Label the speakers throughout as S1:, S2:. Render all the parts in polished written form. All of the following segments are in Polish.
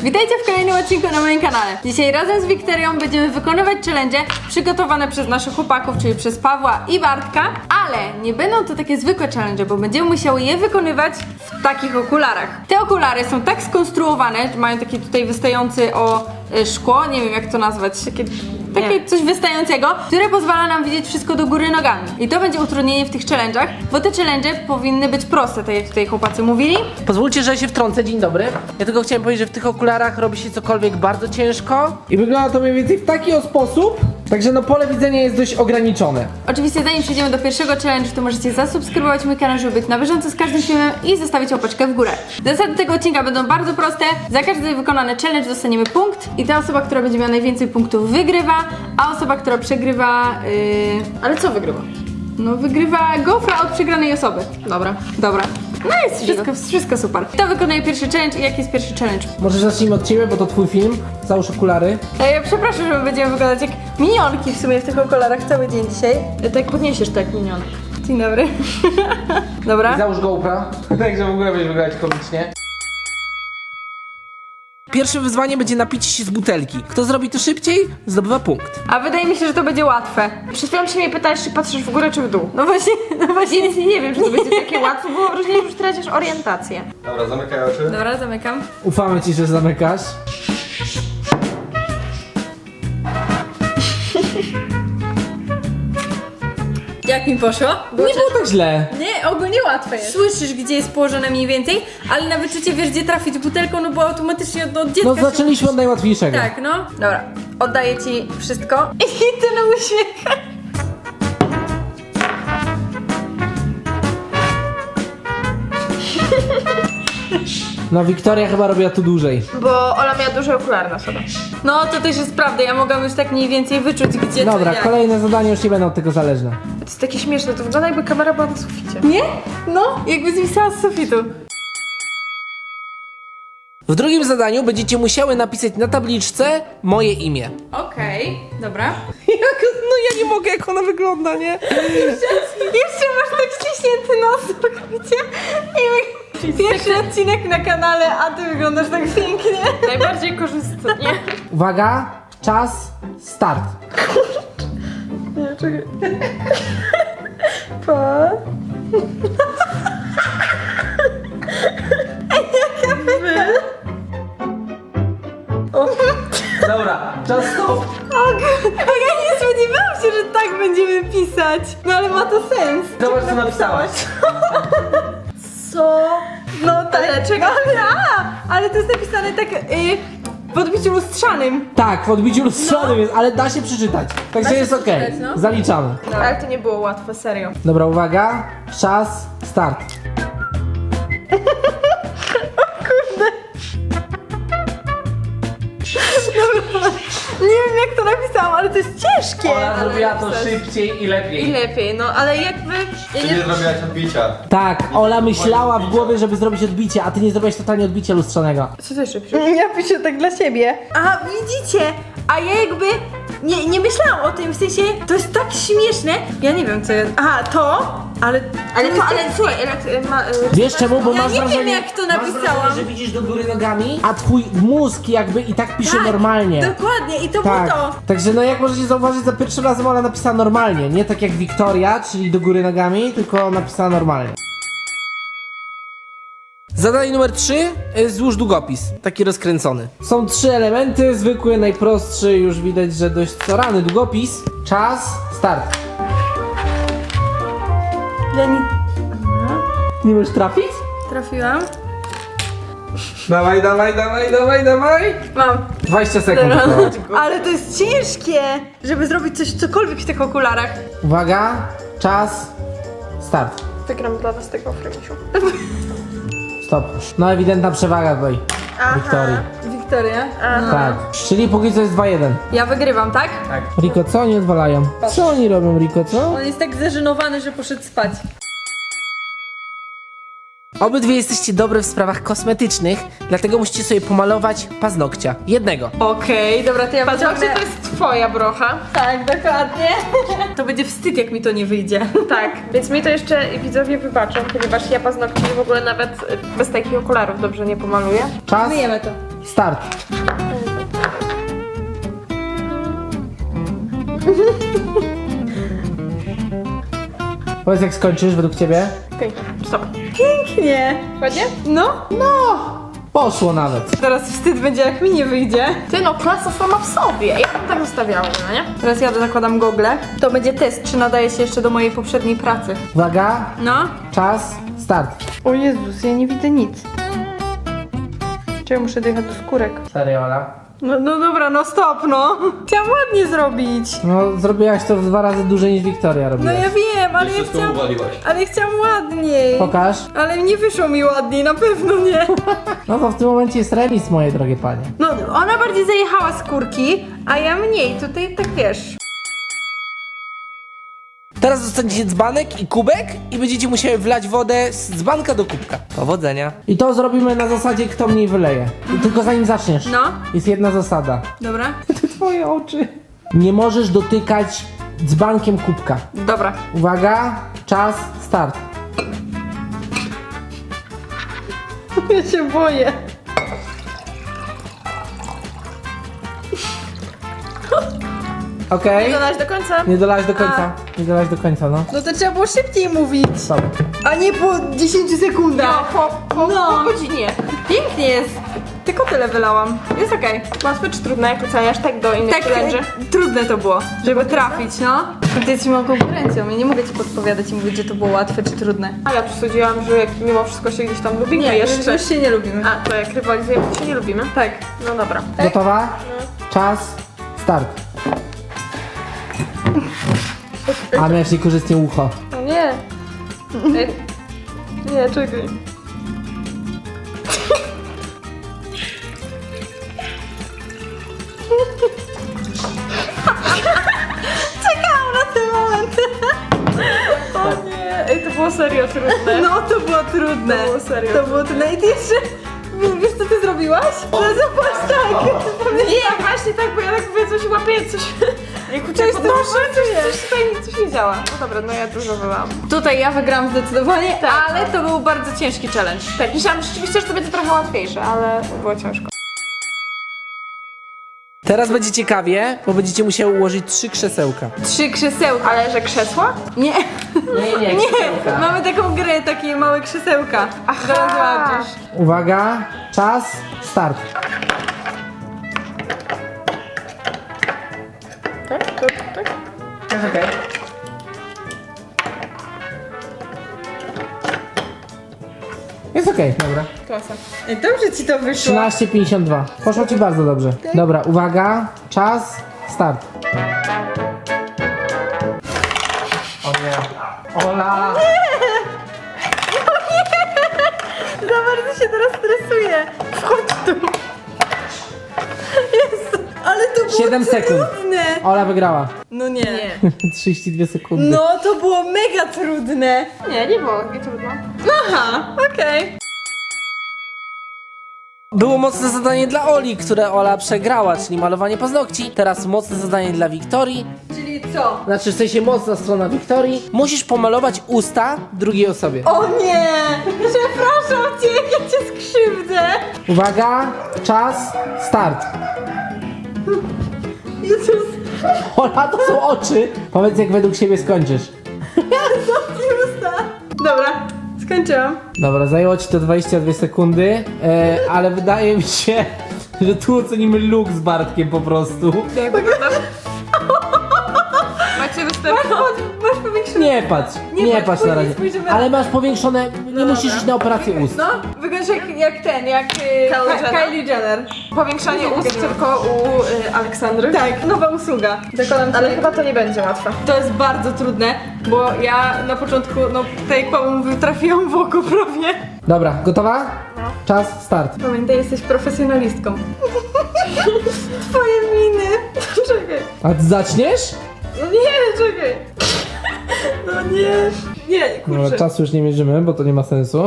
S1: Witajcie w kolejnym odcinku na moim kanale. Dzisiaj razem z Wiktorią będziemy wykonywać challenge przygotowane przez naszych chłopaków, czyli przez Pawła i Bartka, ale nie będą to takie zwykłe challenge, bo będziemy musiały je wykonywać w takich okularach. Te okulary są tak skonstruowane, że mają taki tutaj wystający szkło, nie wiem jak to nazwać, takie coś wystającego, które pozwala nam widzieć wszystko do góry nogami. I to będzie utrudnienie w tych challenge'ach, bo te challenge powinny być proste, tak jak tutaj chłopacy mówili.
S2: Pozwólcie, że się wtrącę, dzień dobry. Ja tylko chciałem powiedzieć, że w tych okularach robi się cokolwiek bardzo ciężko. I wygląda to mniej więcej w taki sposób, także no pole widzenia jest dość ograniczone.
S1: Oczywiście zanim przejdziemy do pierwszego challenge, to możecie zasubskrybować mój kanał, żeby być na bieżąco z każdym filmem i zostawić łapeczkę w górę. Zasady tego odcinka będą bardzo proste. Za każdy wykonany challenge dostaniemy punkt i ta osoba, która będzie miała najwięcej punktów wygrywa, a osoba, która przegrywa... Ale co wygrywa? No wygrywa gofra od przegranej osoby. Dobra. No jest wszystko super. Kto wykonuje pierwszy challenge i jaki jest pierwszy challenge?
S2: Może zacznijmy od ciebie, bo to twój film. Załóż okulary.
S1: Ja przepraszam, że my będziemy wyglądać jak minionki w sumie w tych okularach cały dzień dzisiaj.
S3: Tak podniesiesz tak minion.
S1: Dzień dobry. Dobra.
S2: I załóż GoPro. Także w ogóle będzie wyglądać komicznie. Pierwsze wyzwanie będzie napicie się z butelki. Kto zrobi to szybciej, zdobywa punkt.
S1: A wydaje mi się, że to będzie łatwe.
S3: Przed chwilą się mnie pytałeś, czy patrzysz w górę, czy w dół.
S1: No właśnie.
S3: Więc nie wiem, czy to będzie takie łatwe, bo mam wrażenie, że już tracisz orientację.
S4: Dobra, zamykaj oczy.
S1: Dobra, zamykam.
S2: Ufamy ci, że zamykasz.
S1: Jak mi poszło?
S2: Nie było tak źle.
S1: Nie, ogólnie łatwe jest. Słyszysz, gdzie jest położone mniej więcej, ale na wyczucie wiesz, gdzie trafić butelką, no bo automatycznie od dziecka
S2: No zaczęliśmy od najłatwiejszego.
S1: Tak, no. Dobra, oddaję ci wszystko. I ty na uśmiech.
S2: No Wiktoria chyba robiła tu dłużej.
S3: Bo Ola miała duże okulary na sobie.
S1: No, to też jest prawda, ja mogłam już tak mniej więcej wyczuć, gdzie
S2: Dobra,
S1: to jak.
S2: kolejne zadanie już nie będą od tego zależne.
S3: To jest takie śmieszne, to wygląda jakby kamera była na suficie.
S1: Nie? No, jakby zwisała z sufitu.
S2: W drugim zadaniu będziecie musiały napisać na tabliczce moje imię.
S1: Okej, dobra.
S2: No ja nie mogę, jak ona wygląda, nie?
S1: Jeszcze masz tak ściśnięty nos, wiecie? I pierwszy odcinek na kanale, a ty wyglądasz tak pięknie.
S3: Najbardziej korzystnie.
S2: Uwaga, czas, start.
S3: Nie, czekaj.
S2: Dobra, czas stop.
S1: Ja nie spodziewałam się, że tak będziemy pisać. No ale ma to sens.
S2: Zobacz, co napisałaś.
S1: Co? No tak. Ale czego? Ale to jest napisane tak w odbiciu lustrzanym.
S2: Tak, w odbiciu lustrzanym jest, ale da się przeczytać. Także jest okej.
S1: przeczytać, no.
S2: Zaliczamy.
S3: Ale to nie było łatwe, serio.
S2: Dobra, uwaga, czas, start.
S1: Nie wiem jak to napisałam, ale to jest ciężkie.
S2: zrobiła to szybciej i lepiej.
S3: I lepiej, no ale jakby... Ja
S4: Ty nie zrobiłaś odbicia.
S2: Tak, Ola myślała w głowie, żeby zrobić odbicie, a ty nie zrobiłeś totalnie odbicia lustrzanego.
S3: Co to jeszcze piszesz?
S1: Ja piszę tak dla siebie. A widzicie? A ja jakby nie myślałam o tym, w sensie to jest tak śmieszne. Ja nie wiem co jest. Aha, to? Ale
S3: Słuchaj,
S2: Wiesz czemu? Bo
S1: Ja
S2: masz
S1: nie wiem,
S2: wrażenie,
S1: jak to
S2: masz
S1: napisałam.
S2: wrażenie, że widzisz do góry nogami, a twój mózg jakby i tak pisze normalnie.
S1: Dokładnie i to
S2: Tak,
S1: było to.
S2: także no jak możecie zauważyć, za pierwszym razem Ola napisała normalnie, nie tak jak Wiktoria, czyli do góry nogami, tylko napisała normalnie. Zadanie numer 3, złóż długopis, taki rozkręcony. Są 3 elementy, zwykły, najprostszy, już widać, że dość starany długopis. Czas, start.
S1: Ja nie
S2: Nie możesz trafić?
S1: trafiłam.
S2: Dawaj.
S1: Mam.
S2: 20 sekund. tylko.
S1: Ale to jest ciężkie, żeby zrobić cokolwiek w tych okularach.
S2: Uwaga, czas, start.
S3: Wygram dla was tego Fremisiu.
S2: Stop. No ewidentna przewaga tutaj Wiktorii.
S1: Wiktoria.
S2: Tak. Czyli póki co jest 2-1.
S1: Ja wygrywam, tak?
S2: Riko, co oni odwalają? Co oni robią, Riko, co?
S1: On jest tak zażenowany, że poszedł spać.
S2: Obydwie jesteście dobre w sprawach kosmetycznych, dlatego musicie sobie pomalować paznokcia. Jednego.
S1: Okej, dobra, to ja
S3: Patrzcie, to jest twoja brocha.
S1: Tak, dokładnie. To będzie wstyd, jak mi to nie wyjdzie.
S3: Tak, więc mi to jeszcze widzowie wybaczą, ponieważ ja paznokci w ogóle nawet bez takich okularów dobrze nie pomaluję.
S2: Czas.
S1: Myjemy to.
S2: start. Powiedz, jak skończysz według ciebie?
S3: Okej, stop.
S1: Pięknie.
S3: Ładnie?
S1: No.
S2: Poszło nawet.
S1: Teraz wstyd będzie, jak mi nie wyjdzie.
S3: Ty no, klasa sama w sobie. Ja bym tak zostawiała, no nie?
S1: Teraz ja zakładam gogle. To będzie test, czy nadaje się jeszcze do mojej poprzedniej pracy.
S2: Uwaga,
S1: No.
S2: czas, start.
S1: O Jezus, ja nie widzę nic. Czy ja muszę dojechać do skórek?
S2: Serio, Ola?
S1: No dobra, no stop, no. Chciałam ładnie zrobić.
S2: No, zrobiłaś to w 2 razy dłużej niż Wiktoria
S1: No
S2: robiła.
S1: ja wiem, ale ja
S4: Wszystko
S1: chciałam...
S4: uwaliłaś.
S1: Ale ja chciałam ładniej.
S2: Pokaż.
S1: Ale nie wyszło mi ładniej, na pewno nie.
S2: No to w tym momencie jest remis, moje drogie panie.
S1: No, ona bardziej zajechała skórki, a ja mniej. Tutaj tak wiesz.
S2: Teraz dostaniecie dzbanek i kubek i będziecie musieli wlać wodę z dzbanka do kubka. Powodzenia. I to zrobimy na zasadzie, kto mniej wyleje. I tylko zanim zaczniesz,
S1: No.
S2: jest jedna zasada.
S1: Dobra?
S2: Twoje oczy. Nie możesz dotykać dzbankiem kubka.
S1: Dobra.
S2: Uwaga, czas, start.
S1: Ja się boję.
S2: Okej?
S3: Dodać do końca.
S2: Nie dolałeś do końca. Nie dolałeś do końca, no.
S1: No to trzeba było szybciej mówić.
S2: Stop.
S1: A nie po 10 sekundach.
S3: Po
S1: No.
S3: godzinie.
S1: Pięknie jest. Tylko tyle wylałam. Jest okej.
S3: Łatwe czy trudne, jak oceniasz tak do innych
S1: Tak,
S3: challenge'y?
S1: trudne to było, żeby trafić, no. Ty jesteś moją konkurencją, ja nie mogę ci podpowiadać i mówić, że to było łatwe czy trudne.
S3: A ja przesądziłam, że jak mimo wszystko się gdzieś tam lubimy
S1: Nie,
S3: jeszcze.
S1: już się nie lubimy.
S3: A, to jak rywalizujemy, to się nie lubimy?
S1: Tak.
S3: No dobra.
S2: Gotowa? Czas, start. A miałeś niekorzystnie ucho.
S3: No nie. Ej, nie, czekaj.
S1: Czekałam na ten moment.
S3: O nie, ej, to było serio trudne.
S1: No to było trudne.
S3: To było serio
S1: To było trudne. I ty jeszcze, wiesz co ty zrobiłaś? Że zobacz tak.
S3: Nie, właśnie tak, bo ja tak mówię, coś łapię, coś... Jak
S1: Coś
S3: uciekło,
S1: tu szykuje.
S3: coś tutaj, coś nie działa. No dobra, no ja dużo wylałam.
S1: Tutaj ja wygrałam zdecydowanie,
S3: Tak.
S1: ale to był bardzo ciężki challenge.
S3: Tak, myślałam rzeczywiście, że to będzie trochę łatwiejsze, ale było ciężko.
S2: Teraz będzie ciekawie, bo będziecie musieli ułożyć 3 krzesełka.
S1: 3 krzesełka.
S3: Ale że krzesła?
S1: Nie,
S2: Nie,
S1: nie, mamy taką grę, takie małe krzesełka. Zaraz zobaczysz.
S2: Uwaga, czas, start.
S3: Tak? To, tak?
S2: Jest okej. Jest okej, dobra.
S3: Klasa.
S1: Dobrze ci to wyszło.
S2: 13,52. Poszło ci bardzo dobrze. Dobra, uwaga, czas, start. O nie. Ola!
S1: Za bardzo się teraz stresuję. Wchodź tu. Jest, ale to było
S2: 7 sekund.
S1: trudne.
S2: Ola wygrała.
S1: No nie.
S2: 32 sekundy.
S1: No to było mega trudne.
S3: Nie było takie trudno.
S1: Aha, okej.
S2: Było mocne zadanie dla Oli, które Ola przegrała, czyli malowanie paznokci. Teraz mocne zadanie dla Wiktorii.
S1: Czyli co?
S2: Znaczy, w sensie mocna strona Wiktorii. Musisz pomalować usta drugiej osobie.
S1: O nie! Przepraszam cię, jak ja cię skrzywdzę.
S2: Uwaga, czas, start.
S1: Jezus,
S2: Ola, to są oczy. Powiedz, jak według siebie skończysz.
S1: zamknij usta. Dobra, skończyłam.
S2: Dobra, zajęło ci to 22 sekundy, ale wydaje mi się, że tu ocenimy look z Bartkiem po prostu.
S3: Jak wygląda? Macie występ?
S1: Masz powiększone.
S2: Nie patrz,
S1: Nie
S2: nie
S1: patrz,
S2: patrz na
S1: później
S2: razie.
S1: spojrzymy.
S2: Ale masz powiększone, nie musisz iść na operację ust.
S1: No, wyglądasz jak ten, jak
S3: Jenner?
S1: Kylie Jenner.
S3: Powiększanie ust tylko u Aleksandry.
S1: Tak, nowa usługa. Zakładam ci.
S3: Ale chyba to nie będzie łatwe.
S1: To jest bardzo trudne, bo ja na początku, no tak jak Paweł mówił, trafiłam w oko prawie.
S2: Dobra, gotowa? Czas, start.
S1: Pamiętaj, jesteś profesjonalistką. Twoje miny. Czekaj.
S2: A ty zaczniesz?
S1: No nie, czekaj. No nie. Nie,
S2: No,
S1: kurczę.
S2: czasu już nie mierzymy, bo to nie ma sensu.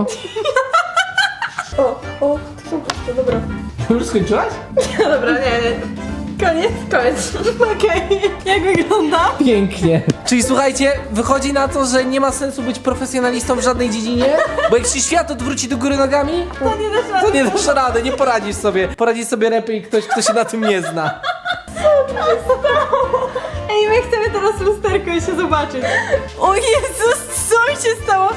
S1: O, to są proste, dobra.
S2: Już skończyłaś?
S1: Dobra, nie. Koniec? Koniec. Okej. Jak wygląda?
S2: Pięknie. Czyli słuchajcie, wychodzi na to, że nie ma sensu być profesjonalistą w żadnej dziedzinie, bo jak się świat odwróci do góry nogami, to nie dasz rady, nie poradzisz sobie. Poradzi sobie lepiej ktoś, kto się na tym nie zna.
S1: Ej, my chcemy teraz lusterko i się zobaczyć. O Jezus, co mi się stało?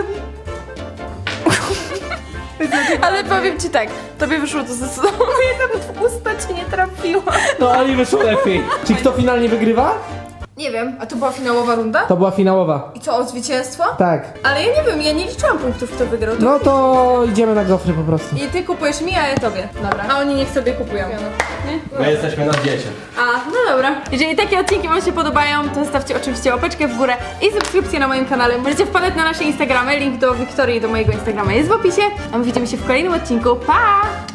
S3: Ale powiem ci tak, tobie wyszło to zdecydowanie, nawet w usta cię nie trafiła.
S2: No ale wyszło lepiej. Czy kto finalnie wygrywa?
S1: Nie wiem.
S3: A to była finałowa runda?
S2: To była finałowa.
S3: I co, o zwycięstwo?
S2: Tak.
S1: Ale ja nie wiem, ja nie liczyłam punktów, kto wygrał. To...
S2: No to idziemy na gofry po prostu.
S1: I ty kupujesz mi, a ja tobie. Dobra. A oni niech sobie kupują.
S4: My jesteśmy na diecie.
S1: A, no dobra. Jeżeli takie odcinki wam się podobają, to zostawcie oczywiście łapeczkę w górę i subskrypcję na moim kanale. Możecie wpadać na nasze Instagramy, link do Wiktorii i do mojego Instagrama jest w opisie. A my widzimy się w kolejnym odcinku. Pa!